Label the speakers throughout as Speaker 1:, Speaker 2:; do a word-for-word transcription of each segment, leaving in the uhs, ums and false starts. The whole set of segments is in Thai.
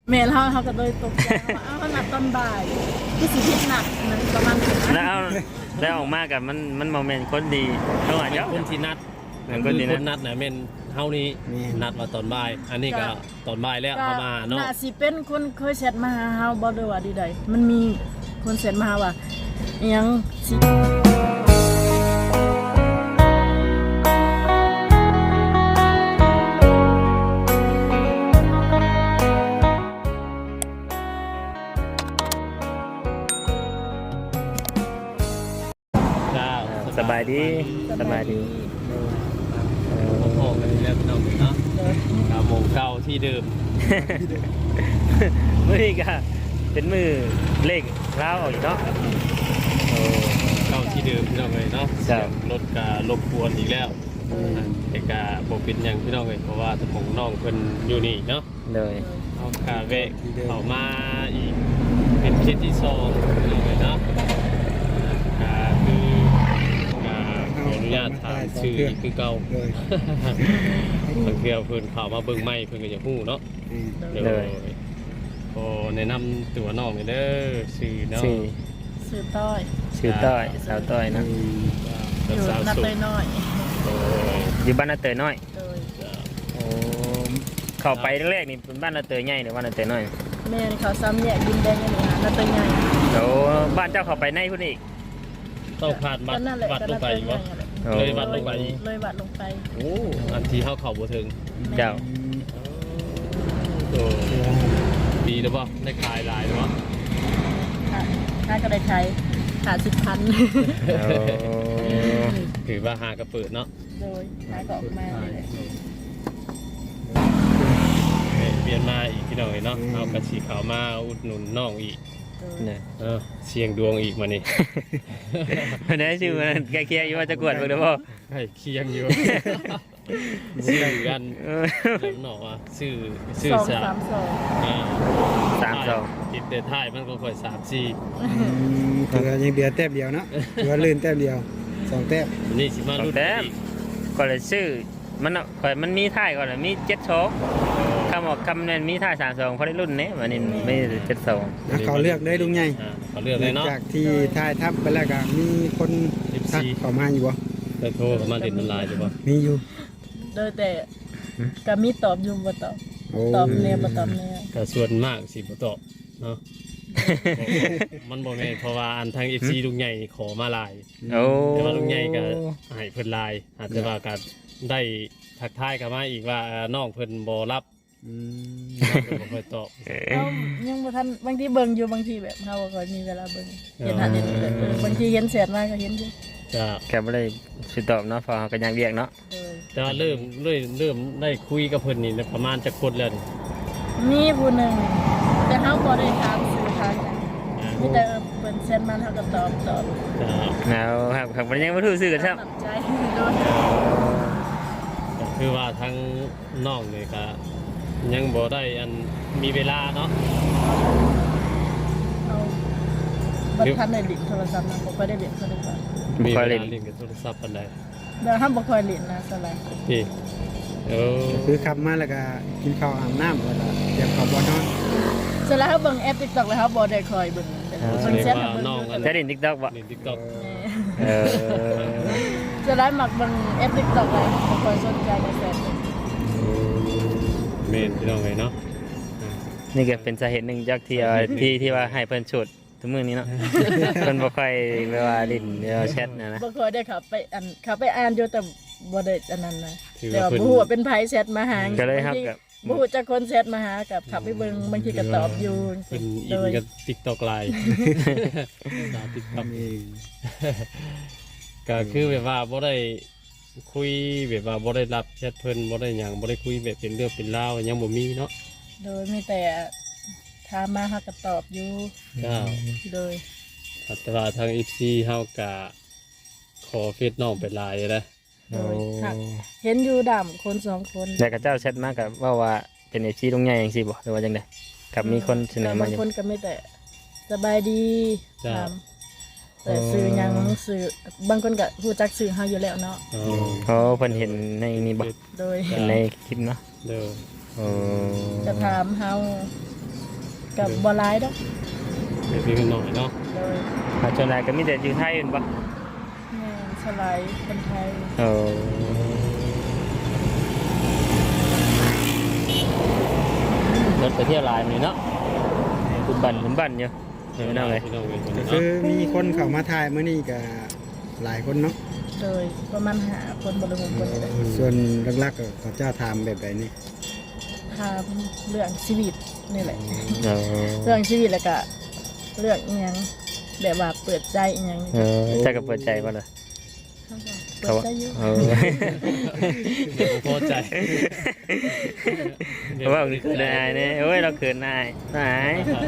Speaker 1: เมลเขาเขาก็เลยตกใจว่าอ้าวขนาดตอนบ่ายที่สิพิษหนักมันประมาณถึง
Speaker 2: แล้วเอาแล้วออกมากับมันมันโมเมนต์คนดีเท่าไหร่
Speaker 3: เป็น
Speaker 2: เจ้า
Speaker 3: คนที่นัด
Speaker 2: เป็น
Speaker 3: ค
Speaker 2: คน
Speaker 3: น
Speaker 2: ดี
Speaker 3: ที่
Speaker 2: นะ
Speaker 3: นัดนะแม่นเฮานี้นัดมาตอนบ่ายอันนี้ก็ตอนบ่ายแล้ว
Speaker 1: ก็
Speaker 3: เขามาเนาะ
Speaker 1: น่าสิเป็นคนเคยแชทมาหาเฮาบ่ได้ว่าดีใดมันมีคนแชทมาหาว่าอิหยังสิ
Speaker 2: สบายดีสบายดี
Speaker 3: โอ้โหกันแล้วพี่น้องเนาะกาโมงเก่าที่เดิม
Speaker 2: มือนี้ก็เป็นมือเลขเล้าออกอยู่เนาะโอ้
Speaker 3: เก่าที่เดิมพี่น้องเลยเนาะ
Speaker 2: ครับ
Speaker 3: รถการบกวนอีกแล้วแต่กาบ่เป็นหยังพี่น้องเลยเพราะว่าสมองน้องเพิ่นอยู่นี่เนาะ
Speaker 2: เลย
Speaker 3: เอากาเวะเข้ามาอีกเป็นเคสที่สองพี่น้องเลยเนาะอ่าคือกาขออนุญาตถามชื่ออีกคือเก่า
Speaker 4: เลย
Speaker 3: บางเทีเพิ่นเข้ามาเบิ่งใหม่เพิ่นก็จะฮู้เนาะ เลยโอ้แนะนำตัวน้องเลยเด้อชื่อน้อง
Speaker 2: ชื่อ
Speaker 1: ซื้อต้อย
Speaker 2: ชื่อต้อยสาวต้อยเนาะ
Speaker 1: อยู่
Speaker 3: สาว
Speaker 1: นัด
Speaker 3: สุ
Speaker 1: เต
Speaker 3: ด
Speaker 1: ยน้อย
Speaker 3: โอ้ย
Speaker 2: อยู่บ้านนาเตยน้อย
Speaker 1: โดย
Speaker 2: โอ้เข้าไปแรกๆนี่เป็นบ้านนาเตยใหญ่หรือบ้านนาเตยน้อย
Speaker 1: แม่นี่เขาซ้ำแยกดินแดงกันนี่นะนัดเตยใหญ่
Speaker 2: โอ้บ้านเจ้าเข้าไปในพุ่นอีก
Speaker 3: ต้องผ่านวัด
Speaker 1: ก็นั่นแหละ
Speaker 3: วัด
Speaker 1: ก็
Speaker 3: ล
Speaker 1: นั
Speaker 3: ง
Speaker 1: ด
Speaker 3: ไป
Speaker 1: เตย
Speaker 3: อยู่
Speaker 1: ใหญ่
Speaker 3: วะ
Speaker 1: นั่นแหละ
Speaker 2: โอ้
Speaker 3: เลยวัดลงไปอีก
Speaker 1: เลยวัดลงไป
Speaker 3: โอ้อันที่เข้าเข่าบ่ถึง
Speaker 2: เจ้า
Speaker 3: โอ้ดีหรือเปล่าได้ขายหลายหรือเปล่า
Speaker 1: ค่ะค่าก็ได้ใช้ขาดสิบพัน
Speaker 2: โอ้
Speaker 3: ถือว่าหากระเปิดเนาะ
Speaker 1: โดยค่าก็ออกมาเลย
Speaker 3: เปลี่ยนมาอีกพี่น้องเลยเนาะเอากระสีขาวมาอุดหนุนน้องอีก
Speaker 1: โดย
Speaker 2: เนี่ย
Speaker 3: เออเสียงดวงอีกมานี่
Speaker 2: วันนี้ชื่อมันใกล้เคียงอยู่ว่าจะกวดเบิ่งเด้อบ่
Speaker 3: ให้เคียงอยู่ ชื่อกัน
Speaker 2: เออ
Speaker 3: แล้วหนออ่ะชื่อชื่อ
Speaker 1: สอง
Speaker 3: สา
Speaker 1: สามสอง
Speaker 3: อ่า
Speaker 2: สามสอง
Speaker 3: คิดเดท้ายมันก็ค่อยสามสี่
Speaker 4: ถือว่ายังเดือแต้มเดียวเนาะถือว่าลื่นแต้มเดียวสองแต้ม
Speaker 3: นี่สิมารุ่นอีก
Speaker 2: ก็เลยชื่อมันเอาข่อยมันมีท่ายก่อนนะมีเจ็ดโชกคำบอกคำนั้นมีท่ายสามสองเขาได้รุ่นนี้วันนี้ไม่เจ็ดสอง
Speaker 4: อ่ะเขาเลือกได้ลุงใหญ่
Speaker 3: อ่าเขาเลือกเลยเนาะ
Speaker 4: จากที่ทายทับไปแล้วก็มีคนทักเข้ามาอยู่บ่
Speaker 3: ได้โทรเข้ามาติดมันไลน์ใช่ปะ
Speaker 4: มีอยู่
Speaker 1: โดยแต่ก็มีตอบอยู่บ่ตอบ
Speaker 4: โอ้
Speaker 1: ตอบแนวบ่ตอบแนว
Speaker 3: แต่ส่วนมากสิบ่ตอบเนาะ มันบ่แม่นเพราะว่าอันทาง เอฟ ซี ลุงใหญ่ขอมาไลน์
Speaker 2: โอ้
Speaker 3: แต่ว่าลุงใหญ่ก็ให้เพิ่นไลน์อาจจะว่าก็ได้ทักทายกลับมาอีกว่าเอ่อน้องเพิ่นบ่รับ
Speaker 4: อืม
Speaker 3: น้องเพิ่นบ่ค่อยตอบ
Speaker 1: เอ้ายังบ่ทันบางทีเบิ่งอยู่บางทีแบบเฮาบ่ค่อยมีเวลาเบิ่งเห็นหันเห็นนี่แบบเออบางทีเห็นแชทมาก็เห็นอยู่
Speaker 3: จะ
Speaker 2: แค่ไม่ได้สิตอบเนาะเพอเขาก็ยังเรียกเนาะ
Speaker 1: โดย
Speaker 3: แต่ว่าเริ่มเริ่มเริ่มได้คุยกับเพิ่นนี่ประมาณจะคนแล้วนี่
Speaker 1: มีผู้หนึงแต่เฮาบ่ได้ถามสื่อทางหยังมีแต่เออเพิ่นแชทมาเฮาก็ตอบตอบ
Speaker 3: จะ
Speaker 2: แล้วครับครับมันยังไม่ถูกซื้อกันใช่ไหม
Speaker 1: ตามใจโดย
Speaker 3: ก็คือว่าทั้งน้องนี่ก็ยังบ่ได้อันมีเวลาเนาะ
Speaker 1: เอาบ่ทันได้เล่นโทรศัพท์นะบ่ค่อยได้เล่นโทรศัพท์
Speaker 3: มี
Speaker 2: ค
Speaker 3: เว
Speaker 2: อย
Speaker 3: ลา
Speaker 2: เล่น
Speaker 3: เล่นกับโทรศัพท์ปานใด
Speaker 1: เดี๋ยวเฮาบ่ค่อยเล่นนะสลาย
Speaker 3: พี่เออ
Speaker 4: คือขับมาแล้วก็กินข้าวอาบน้ำแล้วก็เตรียมข้าวบ่อนอน
Speaker 1: สลายเฮาเบิ่งแอป TikTok แล้วเฮาบ่ได้ค่อยเบิ่งแต่
Speaker 3: แส
Speaker 1: เพิ่น
Speaker 3: ดง
Speaker 1: แชท
Speaker 3: ว่า
Speaker 1: มาเบิ่ง
Speaker 3: น้องอัน
Speaker 2: จะเล่นทิกตอกบ่
Speaker 3: เล่น TikTok
Speaker 2: เออ
Speaker 1: สลายมักเบิ่งแอป TikTok เลยบ่ค่อยสนใจในแฟน
Speaker 3: เมนพี่น้องเลยเนาะ
Speaker 2: นี่ก็เป็นสาเหตุหนึ่งจากที่ว่าที่ที่ว่าให้เพิ่นฉุดทุกมื้อนี้เนาะ เพิ่นบ่ค่อยเวลาลิ้นเวลาแชทนะนะ
Speaker 1: บ่ค่อยได้เขับไปอันเขับไปอ่านอยู่แต่บ่ได้อันนั้นนะ
Speaker 3: ถือ
Speaker 1: แต่
Speaker 3: ว่า
Speaker 1: ว่า
Speaker 3: เพิ่น
Speaker 1: บ่ฮู้ว่าเป็นไผแชทมาหา
Speaker 2: ก็เลยครับกับ
Speaker 1: บ่ฮู้จักคนแชทมาหากับขับไปเบิ่งบางทีก็ตอบอยู่
Speaker 3: เป็นอิ
Speaker 1: โด
Speaker 3: น
Speaker 1: ย
Speaker 3: กับ TikTok ไลน์สาว TikTok
Speaker 4: เอง
Speaker 3: ก็คือแบบว่าบ่ได้คุยแบบว่าบ่ได้รับแชทเพิ่นบ่ได้หยังบ่ได้คุยแบบเป็นเรื่องเป็นราวยังบ่มีเนาะ
Speaker 1: โดยมีแต่ถามมาเฮาก็ตอบอยู่
Speaker 3: ก็
Speaker 1: โดย
Speaker 3: แต่ว่าทาง เอฟ ซี เฮาก็ขอเฟซน้องไปไลน์นะ
Speaker 1: โดยหักเห็นอยู่ดำคนสองคน
Speaker 2: แล้วก็เจ้าแชทมากับว่าว่าเป็น เอฟ ซี ตรงใหญ่จังซี่บ่หรือว่าจังได๋กับมีคนเสนอมา
Speaker 1: บาง
Speaker 2: อยู่
Speaker 1: คนก็มีแต่สบายดีถามแต่ซื้อหยังซื้อบางคนก็ฮู้จักซื้อเฮาอยู่แล้วเนาะ
Speaker 3: อ๋อ
Speaker 2: อ๋อเพิ่นเห็นในนี่บ่
Speaker 1: โดย
Speaker 2: เห็นในคลิปเนาะ
Speaker 3: เด้อ
Speaker 2: โอ้
Speaker 1: จะถามเฮากับบ่หลายดอก
Speaker 3: เดี๋ยวพี่กันหน่อยเนาะ
Speaker 1: โดย
Speaker 2: อาจารย์ก็มีแต่อยู่ไทยเห็นปะ
Speaker 1: แม่นสลายคนไทย
Speaker 2: โอ้รถไปเที่ยวลายนี่เนาะคุณบันคุณบันอยู่เดี๋ยวนั่งเลย
Speaker 3: พี่น้องเอ้ย
Speaker 4: ก็คือมีคนเข้ามาถ่ายมื้อนี้ก็หลายคนเนาะ
Speaker 1: โดยประมาณหาคนบ่รู้คนได้
Speaker 4: ส่วนหลักๆก็เขาเจ้าถามแบบใดนี่
Speaker 1: ถามเรื่องชีวิตนี่แหละ
Speaker 2: โอ้
Speaker 1: เรื่องชีวิตแล้วก็เรื่องอีหยังแบบว่าเปิดใจอีหยัง
Speaker 2: เออจะกับเปิดใจป่ะเลย
Speaker 1: เปิดใจอยู่
Speaker 2: เออ
Speaker 3: เดี๋ยวผมพอใจ
Speaker 2: เพราะว่าเขินนายเนี่ยโอ้ยเราเขินนายนาย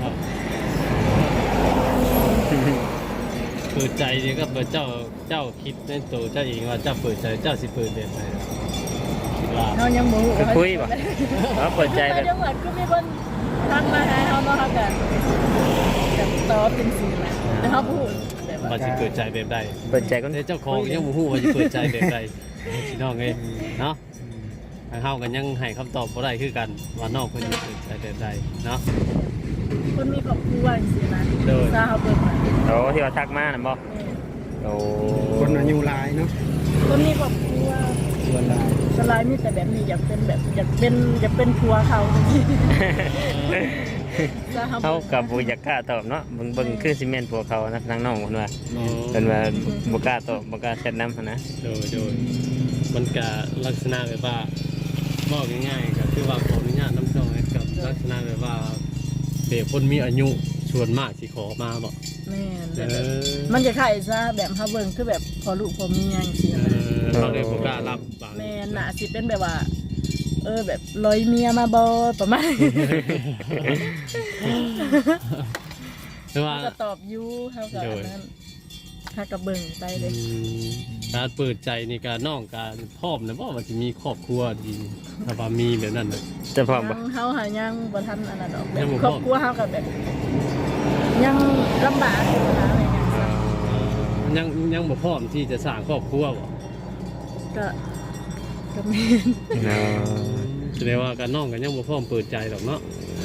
Speaker 3: เปิดใจนี่ก็เปิดเจ้าเจ้าคิดในตัวเจ้าเองว่าเจ้าเปิดใจเจ้าสิเปิดแบบไหนคิดว่า
Speaker 1: เฮายังบ่ฮู้
Speaker 2: คือคุยป่ะเราเปิดใจ
Speaker 1: ไป
Speaker 2: แบบ
Speaker 1: จังหวัดก็มีคนทักมาหาเฮาเนาะเฮาก็แบบตอบเป็นสิ่งแหละแต่เฮาพูดแบบว่า
Speaker 3: ว่าสิเปิดใจแบบใด
Speaker 2: เปิดใจก็
Speaker 3: แต่เจ้าของยังบ่ฮู้ว่าสิเปิดใจแบบใดพี่น้องเอ้ยเนาะทางเฮากันยังให้คำตอบบ่ได้คือกันว่าน้องเพิ่นสิเปิดใจแบบใดเนาะ
Speaker 1: คนมีครอบครัวจังซี่นะ
Speaker 3: โดย
Speaker 1: ซาเฮาเปิดมา
Speaker 2: โอ้ที่ว่าทักมาน่ะบ่โอ้
Speaker 4: คนอายุหลายเนาะ
Speaker 1: คนมีครอบครัว
Speaker 4: ส่วนหลาย
Speaker 1: สลายมีแต่แบบนี้อยากเป็นแบบอยากเป็นอยากเป็นผัวเขาจังซี่ซาเฮา
Speaker 2: เขากับบุญกล้าตอบเนาะเบิ่งเบิ่งคือซีเมนต์พวกเขานะทางน้องคนว่า
Speaker 3: อ๋อ
Speaker 2: เป็นว่าบุกล้าตอบบุกล้าเช็ดน้ำหั้นนะ
Speaker 3: โดยโดยมันก็ลักษณะแบบว่าบอกง่ายๆก็คือว่าขออนุญาตน้ำจ้องให้กับลักษณะแบบว่าเด็กคนมีอายุส่วนมากสิขอมาบอก
Speaker 1: แม่น
Speaker 3: เอ
Speaker 1: แบบ
Speaker 3: อ
Speaker 1: มันจะคล้ายซะแบบเฮาเบิ่งคือแบบพอลูกพอเมียจังซี่
Speaker 3: เอ
Speaker 1: นะ
Speaker 3: อเราเลยบอกล้ารับบาง
Speaker 1: แม่นน่ะสิเป็นแบบว่า เออแบบลอยเมียมาบ่ประมาณ
Speaker 3: แต่ว่า
Speaker 1: เขาก็ตอบอยู่เขาก็อันนั้นถ้าก็เบิ่งไปเลย
Speaker 3: การเปิดใจในการน้องการพร้อมนะว่าว่าจะมีครอบครัวดีถ้าว่ามีแบบนั้นนะ
Speaker 2: จะพร้อม
Speaker 1: ยั
Speaker 2: บ่
Speaker 1: งเฮาหายังบ่ทันอันนั้นดอกแบ
Speaker 3: ยั
Speaker 1: บ
Speaker 3: งบ่
Speaker 1: ค
Speaker 3: พ
Speaker 1: ร
Speaker 3: ร้
Speaker 1: อ
Speaker 3: อม
Speaker 1: บครัวเฮาก็แบบ ยังลำบากอยู่นะอะไรเงี้ย
Speaker 3: ยังยังบ่พร้อมที่จะสร้างครอบครัวบ่
Speaker 1: ก็ก็แม่น
Speaker 2: เนาะ
Speaker 3: แสดงว่าการน้องกันยังบ่พร้อมเปิดใจหรอกเนาะ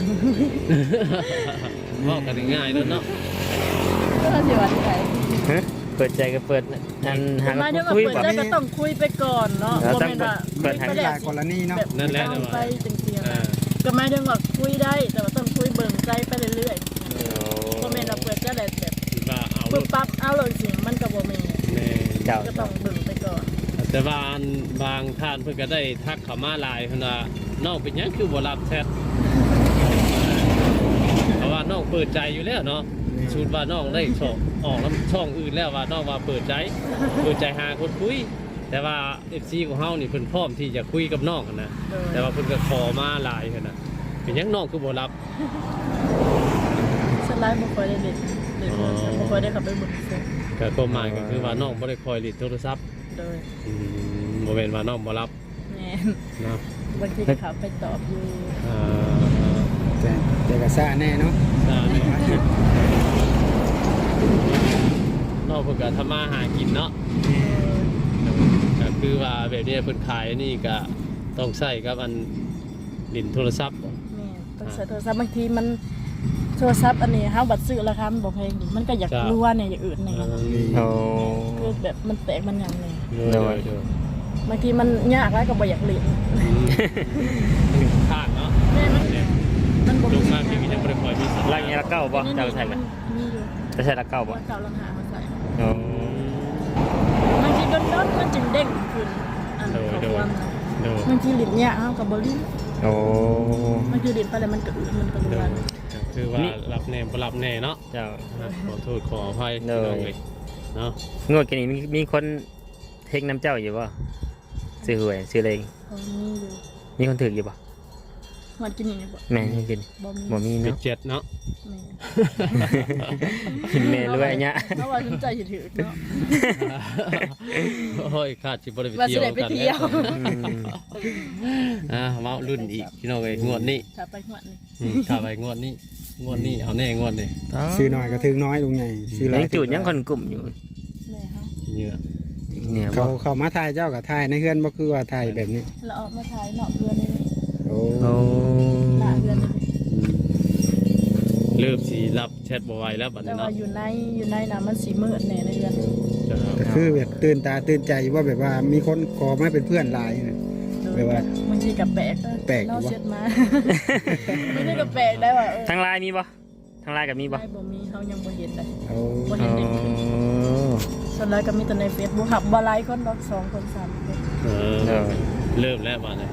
Speaker 3: ว่ากันง่ายๆแล้วเนาะ
Speaker 1: ก็สิว่าไง
Speaker 2: ฮะเปิดใจก็เปิดอันหา
Speaker 1: มาเดี๋ยวก็
Speaker 2: คุย
Speaker 1: เปิด
Speaker 2: บ่
Speaker 1: ใจก็ต้องคุยไปก่อนเนาะ
Speaker 2: เรา
Speaker 1: บ่
Speaker 2: ต้อง
Speaker 1: แม่นว่า
Speaker 2: เปิด
Speaker 1: คุยไป
Speaker 4: ห
Speaker 1: แล้
Speaker 4: ลายว กรณีเนาะ
Speaker 1: แบบ
Speaker 3: นั่นแหละ
Speaker 1: เอาไปจังซี่
Speaker 3: เอ
Speaker 1: นะ
Speaker 3: อ
Speaker 1: ก็หมายถึงว่าคุยได้แต่ว่าต้องคุยเบิ่งใจไปเรื่อยๆบ่แม่นว่าเปิดใจได้แบบ
Speaker 3: คิดว่าเอา
Speaker 1: ปึ๊บปั๊บเอาเลยสิมันก็บ่แม่น
Speaker 3: แน่
Speaker 2: เจ้า
Speaker 1: ก็ต้องเบิ่งไปก่อน
Speaker 3: แต่ว่าอันบางท่านเพิ่นก็ได้ทักเข้ามาหลายเพิ่นว่าน้องเป็นหยังคือบ่รับแชทเพราะว่าน้องเปิดใจอยู่แล้วเนาะชุดว่าน้องได้ช่องออกแล้วช่องอื่นแล้วว่าน้องว่าเปิดใจเปิดใจหาคนคุย แต่ว่า เอฟ ซี ของเฮานี่เพิ่นพร้อมที่จะคุยกับน้องกันนะ
Speaker 1: โดย
Speaker 3: แต่ว่าเพิ่นก็ขอมาหลายกันนะเป็นหยังน้องคือบ่รับ
Speaker 1: สไลด์บ่ค่อยได้เล่นเล่นบ่บ่ค่อยได้เข้าไปเบิ่งเฟซ
Speaker 3: ก็ความหมายก็คือว่าน้องบ่ได้คอยลิดโทรศัพท์
Speaker 1: โดย
Speaker 3: อืมบ่แม่นว่าน้องบ่รับ
Speaker 1: แม่น
Speaker 3: เนาะ
Speaker 1: บางทีก็เข้าไปตอบอยู่
Speaker 3: อ่า
Speaker 4: แต่แต่ก็ซ่าแน่เนาะ
Speaker 3: ได้น้องเพิ่นก็ทำมาหากินเนาะก็คือว่าแบบนี้เพิ่นขายนี่ก็ต้องใช้กับอันลินโทรศัพท์
Speaker 1: แม่ต้องใช้โทรศัพท์บางทีมันโทรศัพท์อันนี้เฮาบัดซื้อราคามันบ่แพงดิมันก็อยากรู้ว่าเนี่ยอย่างอื่นในกัน
Speaker 2: โอ้
Speaker 1: คือแบบมันแตกมันหยังนี่
Speaker 3: โดยโดย
Speaker 1: บางทีมันยากแล้วก็บ่อยากเล่น
Speaker 3: ข้างเนาะ
Speaker 1: แม่มันมันบ่
Speaker 3: ลงมาพี่ก็ยังบ่ได้คอยมีสัญ
Speaker 2: ลั
Speaker 3: ญาง ณ
Speaker 2: นี้ละเก้าบ่เจ้าใส่ไหม
Speaker 1: มีอยู่
Speaker 2: จะใส่ละเก้าบ่
Speaker 1: ว่าเก่าลังหามาใส่
Speaker 2: โอ้
Speaker 1: บางทีโดนๆมันจึงเด้งขึ้นอันของความนะ
Speaker 3: โดย
Speaker 1: บางทีลิ้นยากเฮาก็บ่ลิ้น
Speaker 2: โอ้
Speaker 1: บางทีลิ้นไปแล้วมันก็อึมันก็รู้ว่า
Speaker 3: คือว่ารับแน่บ่รับแน่เนาะ
Speaker 2: เจ้า
Speaker 3: ขอโทษขออภัย
Speaker 2: โดย
Speaker 3: พี่น้องเลยเนาะ
Speaker 2: งวดกันนี้มีมีคนเทคน้ำเจ้าอยู่บ่ซื้อหวยซื้ออะไร
Speaker 1: เขามีอยู่
Speaker 2: มีคนถืออยู่บ่
Speaker 1: มันกินนี่บ่
Speaker 2: แม่ยังกิน
Speaker 1: บ่มี
Speaker 2: บ่มี
Speaker 3: เป็ด
Speaker 2: เนาะ
Speaker 3: เจ็ดเนาะ
Speaker 1: แม่
Speaker 2: แม่รวยเนี่ย
Speaker 1: เพราะว่าสนใจสิถือเนาะ
Speaker 3: โอ้ยขาดสิบ่ได้ไป
Speaker 1: ว่าสิ
Speaker 3: เที่ยว
Speaker 1: ได้ไป
Speaker 3: กัน
Speaker 1: เที่ยว
Speaker 3: อ่ามารุ่นอีกพี่น้องเอ้ยงวดนี้
Speaker 1: ถ้าไปหัวนี่
Speaker 3: อืมถ้าไปงวดนี้งวดนี้เอาแน่งวดนี้
Speaker 4: ซื้อหน่อยก็ถึงน้อยลุงใหญ่ซื้อหลา
Speaker 2: ยังจูดยังคนกลุ่มอยู่
Speaker 1: แม่เฮา
Speaker 3: เหงื่อ
Speaker 2: เนี่ย
Speaker 4: เขา
Speaker 2: บ่
Speaker 4: เขามาถ่ายเจ้ากับถ่ายในเฮือนบ่คือว่าถ่ายแบบนี้
Speaker 1: เราออกมาถ่ายเนาะเพื่อนนี่
Speaker 4: โอ้
Speaker 2: โอ้
Speaker 1: หน้าเพื่อนนี่
Speaker 3: เริ่มสิรับแชทบ่ไหวแล้วบัด
Speaker 1: แต่
Speaker 3: นี้
Speaker 1: ว่า
Speaker 3: เนาะ
Speaker 1: อยู่ในอยู่ในน่ะมันสิมืดแน่ในเรือน
Speaker 3: จ้า
Speaker 4: ก็คือแบบตื่นตาตื่นใจว่าแบบว่ามีคนขอมาเป็นเพื่อนหลายนะ แปลว่า
Speaker 1: บางทีก็แปลก
Speaker 4: แปลกอยู่
Speaker 1: เนาะ
Speaker 4: วะ
Speaker 1: เช็ดมา บางทีก็แปลกได้ว่าเออ
Speaker 2: ทางไลน์มีบ่ทางไลน์ก็มีบ่
Speaker 1: ได้บ่มีเฮายังบ่เห็นเลย
Speaker 4: เอา
Speaker 1: บ่
Speaker 2: อ๋
Speaker 1: เห็นเด็ก
Speaker 2: อ
Speaker 1: ส่วนใหญ่ก็มีแต่ใน Facebook หับบ่หลายคนดอกสองคนสามคน
Speaker 3: เออ
Speaker 2: เออ
Speaker 3: เริ่มแล้วบัดนี้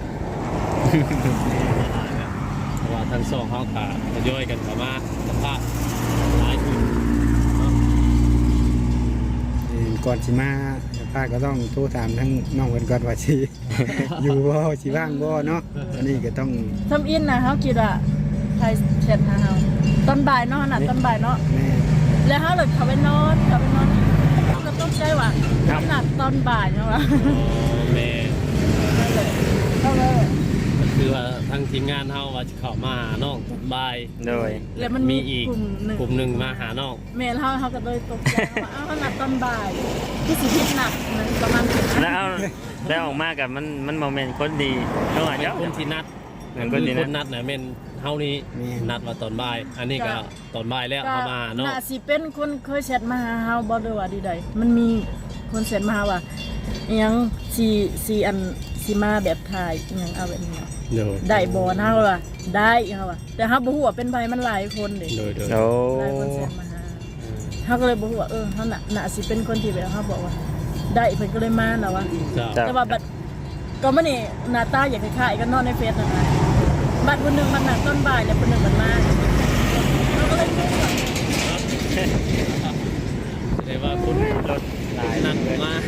Speaker 3: เพราะว่าทั้งสองเฮาก็ทยอยกันเข้ามาสัมภาษณ์หลายคนเนาะ
Speaker 4: เอ่อก่อนสิมาป้าก็ต้องโทรถามทั้งน้องเพิ่นก่อนว่าสิ อยู่บ่สิว่างบ่เนาะอันนี้ก็ต้อง
Speaker 1: ทำอินนะเฮาคิดว่าใครแชทหาเฮาตอนบ่ายเนาะน่ะตอนบ่ายเนาะ
Speaker 4: แม่
Speaker 1: แล้วเฮาเลยเข้าไปนอนเข้าไปนอนเฮาก็ต้องใจว่าหนักตอนบ่ายเนาะว่า
Speaker 3: อ๋อแม่
Speaker 1: เข้าเลย
Speaker 3: ก็คือว่าทางทีมงานเฮาว่าจะเข้ามาหาน้องตอนบ่าย
Speaker 2: โดย
Speaker 1: แล้วมัน
Speaker 3: มี
Speaker 1: มี
Speaker 3: อีก
Speaker 1: กลุ่มหนึ่ง
Speaker 3: กลุ่มหนึ่งมาหาน้อง
Speaker 1: แม่เฮาเฮาก็เลยตกใจว่าอ้าวหนักตอนบ่ายที่สิพิษหนักนะประมาณสิบ
Speaker 2: แล้วเอาแล้วออกมากับมันมันโมเมนต์คนดีเนาะ
Speaker 3: เป็น
Speaker 2: เจ้า
Speaker 3: คนที่นัด
Speaker 2: เป็น
Speaker 3: ค
Speaker 2: คน
Speaker 3: น
Speaker 2: ที่
Speaker 3: ที่
Speaker 2: นัด
Speaker 3: นัดน่ะแม่นเฮานี้นัดว่าตอนบ่าย อันนี้ก็ตอนบ่ายแล้ว
Speaker 1: ก็
Speaker 3: เอามาเนาะ
Speaker 1: น่าสิเป็นคนเคยแชทมาหาเฮาบ่ได้ว่าดีใดมันมีคนแชทมาหาว่าอิหยังสิสิอันสิมาแบบถ่ายอิหยังเอาแบบนี้เนาะ
Speaker 3: โดย
Speaker 1: ได้บ่เฮาว่าได้เฮาว่าแต่เฮาบ่ฮู้ว่าเป็นไผมันหลายคนเด้
Speaker 3: โดยโดย
Speaker 2: โอ้
Speaker 1: หลายคนแชทมาหาเฮาก็เลยบ่ฮู้ว่าเออเฮาน่ะน่าสิเป็นคนที่แบบเฮาบอกว่า ได้เพิ่นก็เลยมาน่ะว่า
Speaker 3: จ้า
Speaker 2: จ้ะ
Speaker 1: แต่ว่าบัดก็มื้อนี้หน้าตาอยากคล้ายๆกันเนาะในเฟซนั่นน่ะบัดคนหนึงมันน่ะต้นบ่ายแล้วคนหนึงมันมาเราก็เลยงงว่า
Speaker 3: แต่ว่าคุณ
Speaker 2: รถหลาย
Speaker 3: นัดผมมา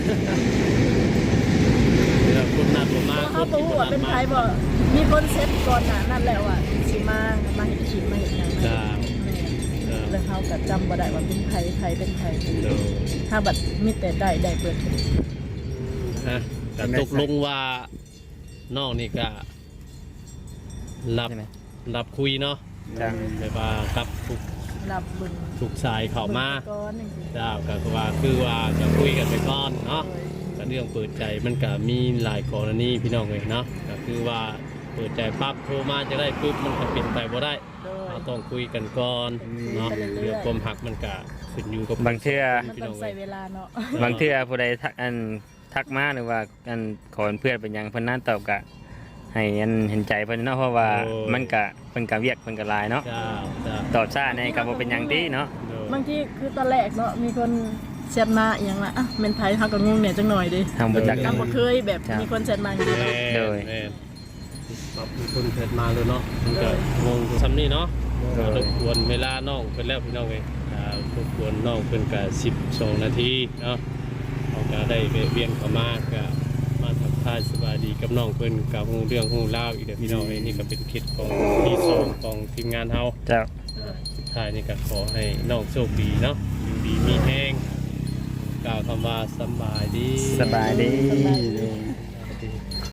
Speaker 3: เดี๋ยวคุณนัดผมมา
Speaker 1: เฮาบ่ฮู้ว่าเป็นไผบ่มีคนเซ็ตก่อนหน้านั้นแล้วอ่ะสิมามาเฮ็ดคลิปมาเฮ็ดหยังนะ
Speaker 3: จ้า
Speaker 1: แม่
Speaker 3: จ้า
Speaker 1: แล้วเฮาก็จำบ่ได้ว่าเป็นไผไผเป็นไผ
Speaker 3: โดย
Speaker 1: ถ้าบัดมีแต่ได้ได้เปิด
Speaker 3: ฮะแต่ตกลงว่าน้องนี่ก็รับ
Speaker 2: ใช่ไหม
Speaker 3: รับคุยเนาะ
Speaker 2: จ้ะ
Speaker 3: แบบว่ากับทุก
Speaker 1: รับเบิ่ง
Speaker 3: ทุกสายเข้ามา
Speaker 1: บิ่งก่อนจังซี่
Speaker 3: เจ้าก็คือว่าคือว่าจะคุยกันไปก่อนเนาะก็เรื่องเปิดใจมันก็มีหลายกรณีพี่น้องเลยเนาะก็คือว่าเปิดใจปั๊บโทรมาจะได้ปุ๊บมันก็เป็นไปบ่ได้
Speaker 1: โดย
Speaker 3: เราต้องคุยกันก่อนเนาะ
Speaker 1: ไปเรื่อยๆ
Speaker 3: เรื่องความหักมันก็ขึ้นอยู่กับบ
Speaker 2: างเทื่อ
Speaker 1: มันต้องใช้เวลาเนาะ
Speaker 2: บางเทื่อผู้ใดทักอันทักมาหรือว่าอันขอเป็นเพื่อนเป็นหยังเพิ่นนั้นตอบกะให้อันเห็นใจเพิ่นเนาะเพราะว่ามันกะเพิ่นกะเวียกเพิ่นกะหลายเนาะ
Speaker 3: เจ้าเจ้า
Speaker 2: ตอบช้าในก็บ่เป็นหยังติเนาะ
Speaker 3: โดย
Speaker 1: บางทีคือตอนแรกเนาะมีคนแชทมาอหย่างละอ่ะเมนไทยเขาก็งงเนี่ยจังหน่อยดิ
Speaker 2: ทางบ่จัก
Speaker 1: ก็บ่เคยแบบ
Speaker 2: ครับ
Speaker 1: มีคนแชทมาอย่างนี้
Speaker 3: แม่
Speaker 1: เนาะ
Speaker 2: โดย
Speaker 3: แม่ปรับมีคนเกิดมาเลยเนาะมันก็งงซ้ำนี่เนาะ
Speaker 2: โดย
Speaker 3: รบกวนเวลาน้องเป็นแล้วพี่น้องเลยอ่ารบกวนน้องเป็นกับสิบสองนาทีเนาะเขาก็ได้แวะเวียนเข้ามาก็มาทักทายสบายดีกับน้องเพิ่นกับฮู้เรื่องฮู้เล่าวอีกเด้อพี่น้องเอ้ยนี่ก็เป็นเคล็ดของที่สองของทีมงานเฮา
Speaker 2: เจ้า
Speaker 3: สุดท้ายนี่ก็ขอให้น้องโชคดีเนาะอยู่ดีมีแห้งกล่าวคำว่าสำบายดี
Speaker 2: สบายดี
Speaker 1: สบายดี